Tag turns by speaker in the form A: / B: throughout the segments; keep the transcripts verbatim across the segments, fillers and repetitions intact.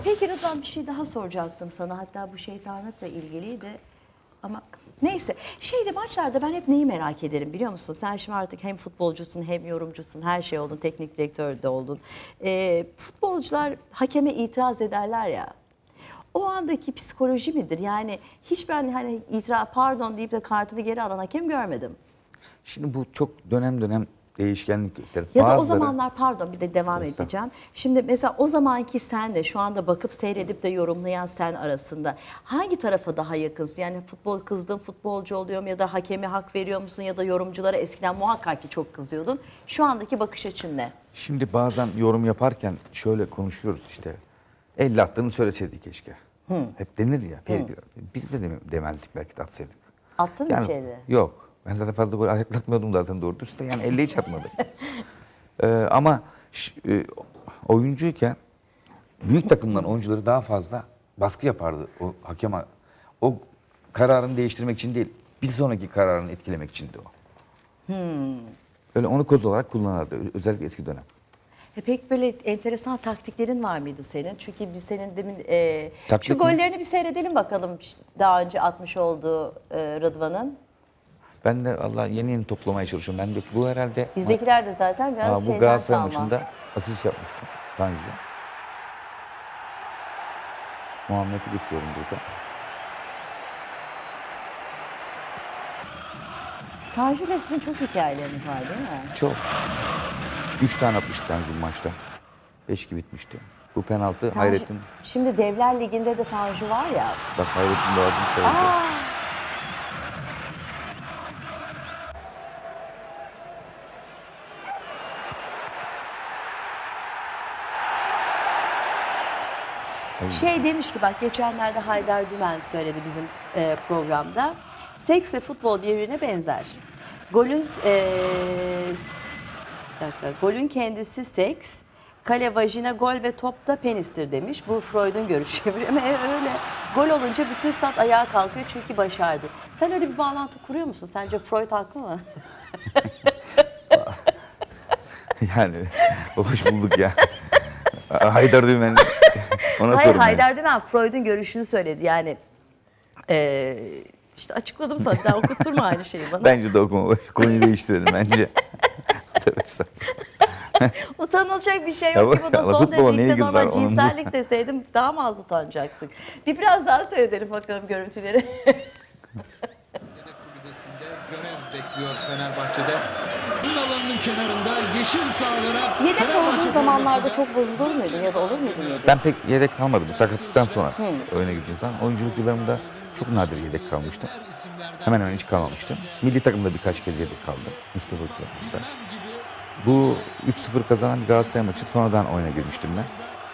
A: Peki Rıdvan, bir şey daha soracaktım sana. Hatta bu şeytanlıkla ilgiliydi. Ama neyse. Şeyde maçlarda ben hep neyi merak ederim biliyor musun? Sen şimdi artık hem futbolcusun hem yorumcusun, her şey oldun, teknik direktör de oldun. Ee, futbolcular hakeme itiraz ederler ya. O andaki psikoloji midir? Yani hiç ben hani itiraz pardon deyip de kartını geri alan hakem görmedim.
B: Şimdi bu çok dönem dönem değişkenlik gösterir.
A: Ya da o
B: Bazıları,
A: zamanlar pardon bir de devam edeceğim. Şimdi mesela o zamanki sen de şu anda bakıp seyredip de yorumlayan sen arasında hangi tarafa daha yakınsın? Yani futbol kızdığın futbolcu oluyor mu ya da hakeme hak veriyor musun ya da yorumculara eskiden muhakkak ki çok kızıyordun. Şu andaki bakış açın ne?
B: şimdi bazen yorum yaparken şöyle konuşuyoruz işte. Elle attığını söyleseydi keşke. Hep denir ya. Fair bir- Biz de deme- demezdik belki de atsaydık.
A: Attın mı
B: Yani,
A: içeri?
B: yok. Ben zaten fazla gol ayaklatmıyordum zaten doğru dürüst de yani elle hiç atmadım. Ee, ama ş- e, oyuncuyken büyük takımların oyuncuları daha fazla baskı yapardı o hakeme. O kararını değiştirmek için değil, bir sonraki kararını etkilemek içindi o. Öyle onu koz olarak kullanırdı. Ö- Özellikle eski dönem.
A: E pek böyle enteresan taktiklerin var mıydı senin? Çünkü biz senin demin e,
B: Taktik
A: şu
B: mi?
A: gollerini bir seyredelim bakalım daha önce atmış olduğu e, Rıdvan'ın.
B: Ben de Allah yeni yeni toplamaya çalışıyorum. Ben de bu herhalde
A: Bizdekiler de zaten biraz
B: Aa, bu
A: şeyden
B: Galatasaray
A: kalma.
B: maçında asist yapmıştım. Tanju. Muhammed'i geçiyorum burada.
A: Tanju ile sizin çok hikayeleriniz var değil mi?
B: Çok. Üç tane atmıştı Tanju maçta. Beş iki bitmişti. Bu penaltı
A: Tanju-
B: Hayrettin.
A: Şimdi Devler Ligi'nde de Tanju var ya.
B: Bak Hayrettin Boğaz'ın söyledi.
A: Aa, şey demiş ki bak geçenlerde Haydar Dümen söyledi bizim e, programda. Seksle futbol birbirine benzer. Golün e, s- bir dakika, golün kendisi seks, kale vajina, gol ve top da penistir demiş. Bu Freud'un görüşüymüş ama öyle. Gol olunca bütün stat ayağa kalkıyor çünkü başardı. Sen öyle bir bağlantı kuruyor musun? Sence Freud haklı mı?
B: Yani hoş bulduk ya. Haydar Dümen. Ona
A: Hayır
B: sorun yani.
A: Haydar Dümen Freud'un görüşünü söyledi yani. E, işte açıkladım sana. Daha okutturma aynı şeyi bana.
B: Bence de okuma. Konuyu değiştirelim bence. Tövbe estağfurullah.
A: Utanılacak bir şey
B: Ya
A: yok
B: bu-
A: ki bu da
B: ama
A: son
B: futbola
A: derece
B: ne
A: ise
B: ilgisi
A: normal
B: var? Onun bu-
A: cinsellik deseydim daha mı az utanacaktık? Bir biraz daha seyredelim bakalım görüntüleri.
C: Yedek kulübesinde görev bekliyor Fenerbahçe'de. Oyun alanının kenarında yeşil sahalara
A: Yedek
C: Fenerbahçe
A: olduğu zamanlarda
C: formasıyla-
A: çok bozulur muydun ya da olur muydun yedek?
B: Ben pek yedek kalmadım. Sakatlıktan sonra oyuna girdiğim zaman. Oyunculuk yıllarımda çok nadir yedek kalmıştım. Hemen hemen hiç kalmamıştım. Milli takımda birkaç kez yedek kaldım. Mustafa Hoca'da. Bu üç sıfır kazanan bir Galatasaray maçı sonradan oyuna girmiştim ben.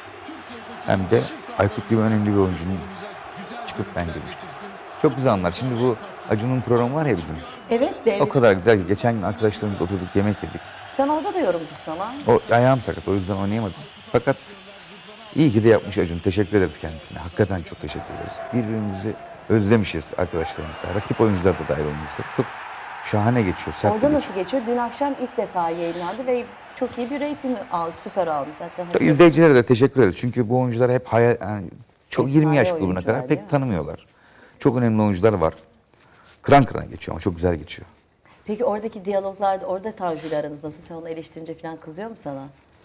B: Hem de Aykut gibi önemli bir oyuncunun çıkıp ben girmiştim. Çok güzel anlar. Şimdi bu Acun'un programı var ya bizim.
A: Evet de.
B: O kadar güzel ki geçen gün arkadaşlarımızla oturduk yemek yedik.
A: Sen orada da yorumcusun ama.
B: O ayağım sakat o yüzden oynayamadım. Fakat iyi ki de yapmış Acun. Teşekkür ederiz kendisine. Hakikaten çok teşekkür ederiz. Birbirimizi özlemişiz arkadaşlarımızla. Rakip oyuncular da dahil olmak üzere. Çok şahane geçiyor. Sert de
A: Orada
B: geçiyor.
A: nasıl geçiyor? Dün akşam ilk defa yayınlandı ve çok iyi bir reyting aldı. Süper almış zaten.
B: İzleyicilere de teşekkür ederiz. Çünkü bu oyuncular hep hayal, yani çok
A: Efsane
B: yirmi yaş grubuna
A: oyuncular,
B: kadar
A: değil mi?
B: pek tanımıyorlar. Çok önemli oyuncular var. Kıran kırana geçiyor ama çok güzel geçiyor.
A: Peki oradaki diyaloglarda, orada Tanju ile aranız nasıl? Sen onu eleştirince falan kızıyor mu sana?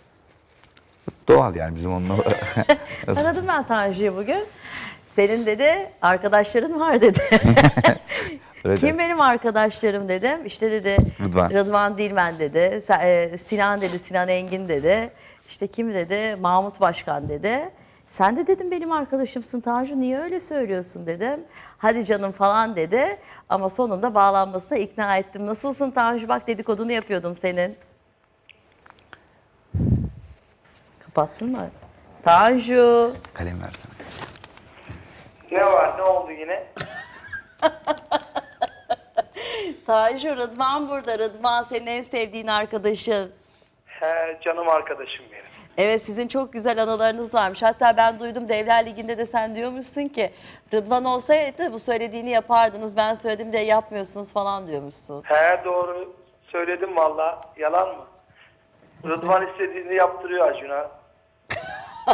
B: Doğal yani bizim onunla.
A: Aradım ben Tanju'yu bugün. Senin dedi arkadaşların var dedi.
B: Öyle
A: Kim
B: der.
A: benim arkadaşlarım dedim. İşte dedi
B: Rıdvan.
A: Rıdvan Dilmen dedi. Sa- e, Sinan dedi, Sinan Engin dedi. İşte kim dedi? Mahmut Başkan dedi. Sen de dedim benim arkadaşımsın Tanju, niye öyle söylüyorsun dedim. Hadi canım falan dedi. Ama sonunda bağlanmasına ikna ettim. Nasılsın Tanju? Bak dedikodunu yapıyordum senin. Kapattın mı? Tanju.
B: Kalem versene.
D: Ne var? Ne oldu yine?
A: Tanju, Rıdvan burada. Rıdvan senin en sevdiğin arkadaşın.
D: He, canım arkadaşım benim.
A: Evet, sizin çok güzel anılarınız varmış. Hatta ben duydum Devler Ligi'nde de sen diyormuşsun ki Rıdvan olsaydı bu söylediğini yapardınız. Ben söyledim de yapmıyorsunuz falan diyormuşsun.
D: He, doğru söyledim valla. Yalan mı? Rıdvan istediğini yaptırıyor Acun'a.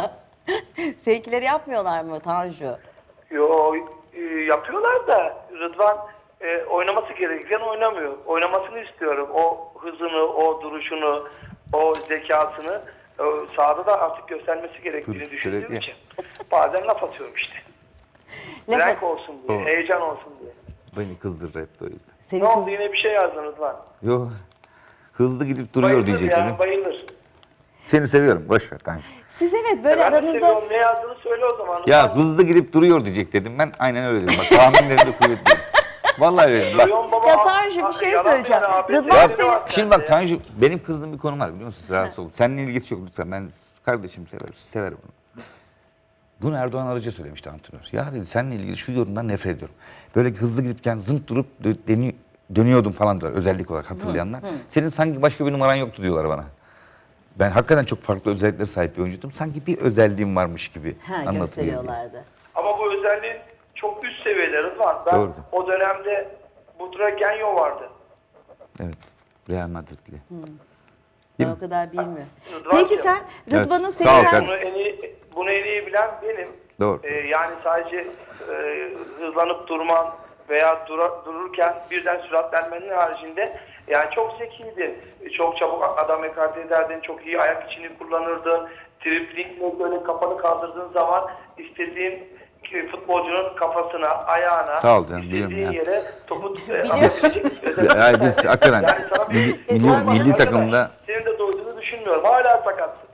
A: Seninkileri yapmıyorlar mı Tanju?
D: Yo e, yapıyorlar da Rıdvan e, oynaması gereken oynamıyor. Oynamasını istiyorum. O hızını, o duruşunu, o zekasını e, sahada da artık göstermesi gerektiğini
B: Dur,
D: düşündüğüm
B: gerekli.
D: için bazen laf atıyorum işte.
A: Laf
D: Renk
A: at-
D: olsun diye,
B: O-
D: heyecan olsun diye.
B: Beni kızdırdı hep de o yüzden.
A: Seni
D: Ne
A: kız-
D: oldu, yine bir şey yazdın Rıdvan?
B: Yo, hızlı gidip duruyor
D: Bayılır
B: diyecektim.
D: yani, bayılır.
B: Seni seviyorum, boş ver Tanju.
A: Siz evet böyle
D: Ben de
A: aranızda...
D: seviyorum, ne yazdığını söyle o zaman.
B: Ya
D: Rıdvan.
B: hızlı gidip duruyor diyecek dedim ben. Aynen öyle dedim. Bak tahminlerim de kuvvetli. Vallahi öyle dedim. Bak.
D: Duyuyorum baba,
A: Ya
D: a-
A: Tanju, bir
D: a-
A: şey
D: yalan
A: söyleyeceğim.
D: yani, abi,
A: Rıdvan
D: senin
A: senin-
D: var
B: Şimdi
D: sende
B: bak
D: ya.
B: Tanju, benim kızdığım bir konu var biliyor musun? Siz rahatsız olun. Seninle ilgisi yok lütfen. Ben kardeşim severim, severim onu. Bunu Erdoğan Arıca söylemişti antrenör. Ya dedi seninle ilgili şu yorumdan nefret ediyorum. Böyle hızlı gidip yani zınt durup dö- deni- dönüyordum falan diyorlar özellik olarak hatırlayanlar. Senin sanki başka bir numaran yoktu diyorlar bana. Ben hakikaten çok farklı özelliklere sahip bir oyuncuydum. Sanki bir özelliğim varmış gibi
A: Ha,
B: anlatılıyor.
A: gösteriyorlardı.
D: Ama bu özelliğin çok üst seviyede Rıdvan. Ben
B: Doğru.
D: o dönemde Butra Genyo vardı.
B: Evet. Real Madrid'li.
A: Ben o kadar bilmiyorum.
D: Rıdvan
A: Peki
D: Bey.
A: sen Rıdvan'ın
B: Evet, sağ ol
A: sevilen...
B: kardeşim.
D: Bunu en iyi, bunu en iyi bilen benim.
B: Doğru.
D: Ee, yani sadece e, hızlanıp durman veya dura- dururken birden süratlenmenin haricinde yani çok zekiydi. Çok çabuk adam ekarte ederdin, çok iyi ayak içini kullanırdın. Driblingle böyle kafanı kaldırdığın zaman istediğin ki futbolcunun kafasına, ayağına,
B: Sağ ol canım, biliyorum
D: istediğin
B: ya.
D: yere topu e, atabilecek özel-
B: Ya biz hakikaten
D: Yani sana bir-
B: milli,
D: E,
B: milli,
D: sorma,
B: milli
D: arkadaş,
B: takımda
D: senin de doyduğunu düşünmüyorum. Hala sakatsın.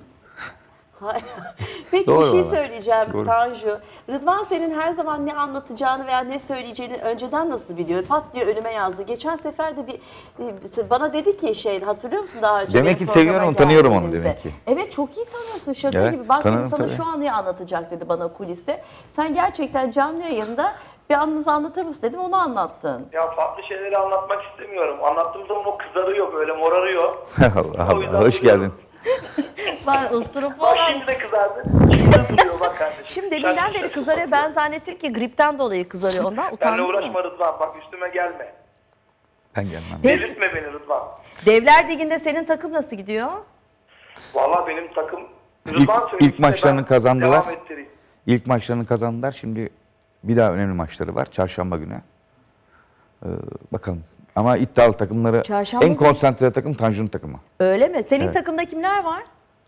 A: Peki
B: Doğru
A: bir şey
B: valla.
A: söyleyeceğim
B: Doğru.
A: Tanju. Rıdvan senin her zaman ne anlatacağını veya ne söyleyeceğini önceden nasıl biliyor? Pat diye önüme yazdı. Geçen sefer de bir bir- bana dedi ki şey hatırlıyor musun daha önce?
B: Demek
A: benim
B: ki
A: programa
B: seviyorum onu, tanıyorum onu
A: geldiğinizde?
B: demek ki.
A: Evet çok iyi tanıyorsun şaka
B: Evet,
A: gibi. Bak dedi,
B: tanırım
A: sana
B: tabii.
A: şu an ne anlatacak dedi bana kuliste. Sen gerçekten canlı yayında bir anınızı anlatır mısın dedim onu anlattın.
D: Ya farklı şeyleri anlatmak istemiyorum. Anlattığım zaman o kızarıyor, böyle morarıyor.
B: Allah
D: O yüzden
B: Allah hoş
D: duruyorum.
B: geldin.
A: Ben usturup
D: Bak
A: olan...
D: şimdi de kızardı. Şimdi de duruyor bak kardeşim.
A: Şimdi deminden
D: Sen-
A: beri kızarıyor. Ben zannettim ki gripten dolayı kızarıyor ondan.
D: Benle
A: Utandım.
D: uğraşma Rıdvan. Bak üstüme gelme.
B: Ben gelmem.
A: Peki.
D: Delirtme beni Rıdvan.
A: Devler Ligi'nde senin takım nasıl gidiyor?
D: Vallahi benim takım...
B: İlk-
D: Rıdvan
B: ilk
D: söylesin de
B: maçlarını
D: ben
B: kazandılar.
D: devam ettireyim.
B: İlk maçlarını kazandılar. Şimdi bir daha önemli maçları var. Çarşamba günü. Ee, bakalım. Ama iddialı takımları
A: Çarşamba
B: en
A: günü-
B: konsantre takım Tanju'nun takımı.
A: Öyle mi? Senin
B: Evet.
A: takımda kimler var?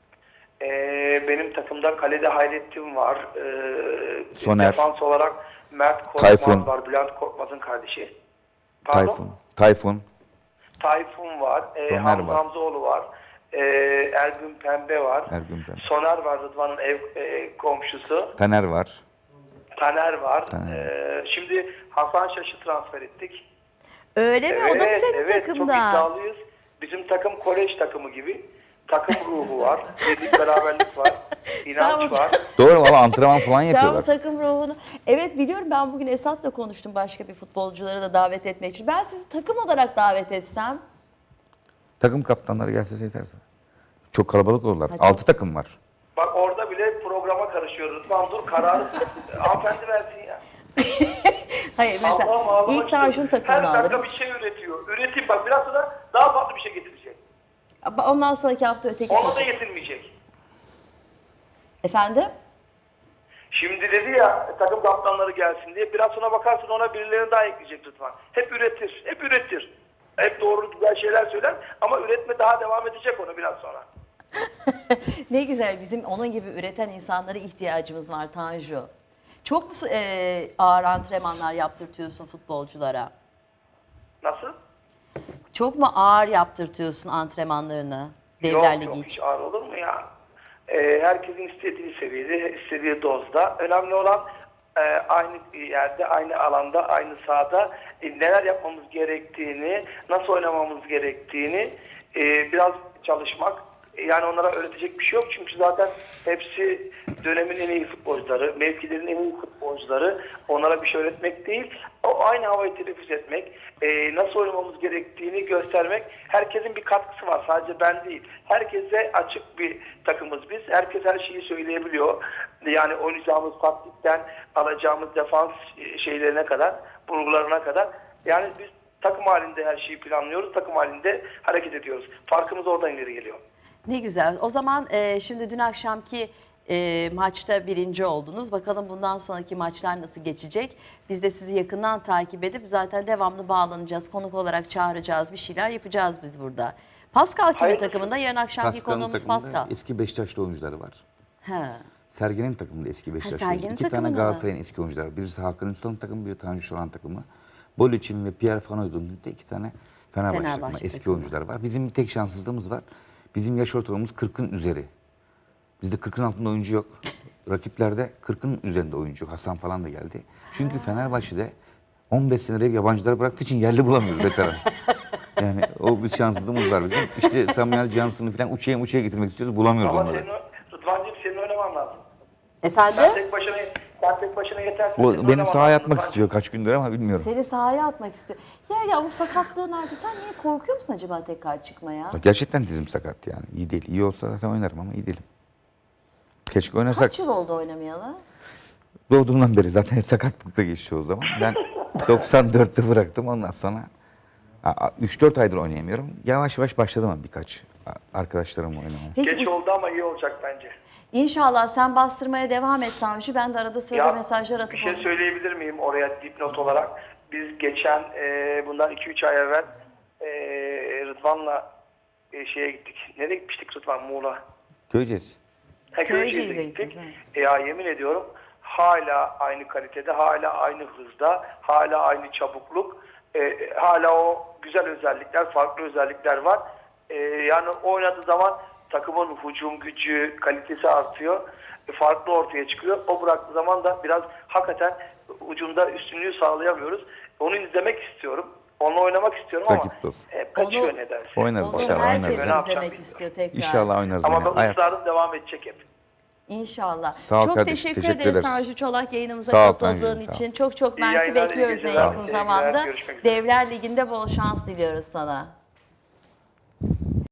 D: Ee, benim takımda kalede Hayrettin var. Ee,
B: Soner.
D: Defans olarak Mert Korkmaz
B: Tayfun.
D: var. Bülent Korkmaz'ın kardeşi. Pardon?
B: Tayfun. Tayfun.
D: Tayfun var. Ee,
B: Soner
D: Hamza
B: var.
D: Hamzoğlu var. Ee, Ergün Pembe var.
B: Ergün Pembe.
D: Soner var, Rıdvan'ın ev e, komşusu.
B: Taner var.
D: Taner var.
B: Taner.
D: Ee, şimdi Hasan Şaş'ı transfer ettik.
A: Öyle mi? O da mı senin
D: evet, çok
A: takımda?
D: iddialıyız. Bizim takım kolej takımı gibi. Takım ruhu var. Birlik beraberlik var. İnanç
A: Sen-
D: var.
B: Doğru valla antrenman falan
A: Sen bu
B: yapıyorlar.
A: takım ruhunu... Evet biliyorum ben bugün Esat'la konuştum başka bir futbolcuları da davet etmek için. Ben sizi takım olarak davet etsem...
B: Takım kaptanları gelse yeter. Çok kalabalık olurlar.
A: Hadi.
B: Altı takım var.
D: Bak orada bile programa karışıyoruz. Rıdvan dur kararı hanımefendi versin ya.
A: Hayır mesela
D: Allah'ım, ağzıma
A: ilk
D: çıkıyor.
A: Tanju'nun takımını
D: Her dakika
A: alırım.
D: bir şey üretiyor. Üretip bak biraz sonra daha farklı bir şey getirecek.
A: Ondan sonraki hafta öteki
D: Ona da
A: takım.
D: yetinmeyecek.
A: Efendim?
D: Şimdi dedi ya takım kaptanları gelsin diye. Biraz sonra bakarsın ona birilerini daha ekleyecek Rıdvan. Hep üretir, hep üretir. Hep doğru güzel şeyler söyler ama üretme daha devam edecek onu biraz sonra.
A: Ne güzel bizim onun gibi üreten insanlara ihtiyacımız var Tanju. Çok mu e, ağır antrenmanlar yaptırtıyorsun futbolculara?
D: Nasıl?
A: Çok mu ağır yaptırtıyorsun antrenmanlarını Devler
D: Yok
A: Ligi
D: yok hiç
A: için?
D: ağır olur mu ya? Ee, herkesin istediği seviyede, istediği dozda. Önemli olan e, aynı yerde, aynı alanda, aynı sahada e, neler yapmamız gerektiğini, nasıl oynamamız gerektiğini e, biraz çalışmak. Yani onlara öğretecek bir şey yok çünkü zaten hepsi dönemin en iyi futbolcuları, mevkilerin en iyi futbolcuları. Onlara bir şey öğretmek değil, o aynı havayı teneffüs etmek, e, nasıl oynamamız gerektiğini göstermek. Herkesin bir katkısı var, sadece ben değil. Herkese açık bir takımız biz. Herkes her şeyi söyleyebiliyor. Yani oynayacağımız taktikten alacağımız defans şeylerine kadar, vurgularına kadar. Yani biz takım halinde her şeyi planlıyoruz, takım halinde hareket ediyoruz. Farkımız oradan ileri geliyor.
A: Ne güzel. O zaman e, şimdi dün akşamki e, maçta birinci oldunuz. Bakalım bundan sonraki maçlar nasıl geçecek? Biz de sizi yakından takip edip zaten devamlı bağlanacağız. Konuk olarak çağıracağız. Bir şeyler yapacağız biz burada. Pascal kimin
D: Hayır.
A: takımında? Yarın akşamki
B: Pascal'ın
A: konuğumuz
B: takımında
A: Pascal.
B: eski Beşiktaşlı oyuncuları var.
A: Ha.
B: Sergen'in takımında eski Beşiktaşlı
A: Sergen'in
B: oyuncular. İki tane
A: takımında mı?
B: Galatasaray'ın eski oyuncular var. Birisi Hakan Ünsal'ın takımı, biri Tanju Şoran takımı. Bolic'in ve Pierre Fanoyd'un de iki tane Fenerbahçe,
A: Fenerbahçe
B: takımı, eski
A: takımı.
B: oyuncular var. Bizim bir tek şanssızlığımız var. Bizim yaş ortalamamız kırkın üzeri. Bizde kırkın altında oyuncu yok. Rakiplerde kırkın üzerinde oyuncu. Hasan falan da geldi. Çünkü Fenerbahçe'de on beş senedir yabancıları bıraktığı için yerli bulamıyoruz veteran. Yani o bir şanssızlığımız var bizim. İşte Samuel Johnson'u falan uçaya uçaya getirmek istiyoruz. Bulamıyoruz
D: Ama
B: onları.
D: senin, Rıdvan'cığım senin oynaman lazım.
A: Efendim?
D: Sen tek başına, sen tek başına yetersin.
B: O
D: Senin
B: beni
D: oynaman
B: sahaya
D: lazım
B: atmak
D: Rıdvan'cığım.
B: istiyor kaç gündür ama bilmiyorum.
A: Seni sahaya atmak istiyor. Ya ya o sakatlığın altı sen niye korkuyor musun acaba tekrar çıkmaya?
B: Gerçekten dizim sakat yani. İyi değil. İyi olsa zaten oynarım ama iyi değilim. Keşke oynasak.
A: Kaç yıl oldu oynamayalı?
B: Doğduğumdan beri zaten hep sakatlıkta geçiyor o zaman. Ben doksan dörtte bıraktım ondan sonra üç dört aydır oynayamıyorum. Yavaş yavaş başladım ama birkaç arkadaşlarımla oynamaya.
A: Peki
D: Geç oldu ama iyi olacak bence.
A: İnşallah sen bastırmaya devam et Tanju. Ben de arada sırada mesajlar atıp...
D: bir şey söyleyebilir miyim oraya dipnot olarak? Biz geçen e, bundan iki üç ay evvel e, Rıdvan'la e, şeye gittik. Nereye gitmiştik Rıdvan? Muğla.
B: Göreceğiz.
D: Ha,
A: Köyceğiz'e
D: Köyceğiz'e gittik.
A: gittiniz,
D: E, ya yemin ediyorum hala aynı kalitede, hala aynı hızda, hala aynı çabukluk, e, hala o güzel özellikler, farklı özellikler var. E, yani oynadığı zaman takımın hücum gücü, kalitesi artıyor. E, farklı ortaya çıkıyor. O bıraktığı zaman da biraz hakikaten ucunda üstünlüğü sağlayamıyoruz. Onu izlemek istiyorum. Onunla oynamak istiyorum
B: Rakip
D: ama
B: dost.
D: hep kaçıyor
A: Onu-
D: nedense.
B: Oynarız
A: Onu
B: inşallah
A: herkes
B: oynarız.
D: Ne
B: ya.
D: yapacağım
A: izlemek
D: bilmiyorum.
A: istiyor tekrar.
B: İnşallah oynarız
D: Ama
B: yine.
D: ben
B: Ayak-
D: ısrarım devam edecek hep.
A: İnşallah.
B: Sağ ol
A: çok
B: kardeşim,
A: teşekkür,
B: teşekkür
A: ederiz
B: ederiz.
A: Tanju Çolak yayınımıza
B: Sağ ol
A: katıldığın
B: Tanju'cum, sağ ol.
A: için. Çok çok
D: İyi
A: mersi
D: yayınlar, iyi
A: bekliyoruz en
D: geceler.
A: yakın
D: Teşekkürler,
A: zamanda.
D: görüşmek üzere.
A: Devler Ligi'nde bol şans diliyoruz sana.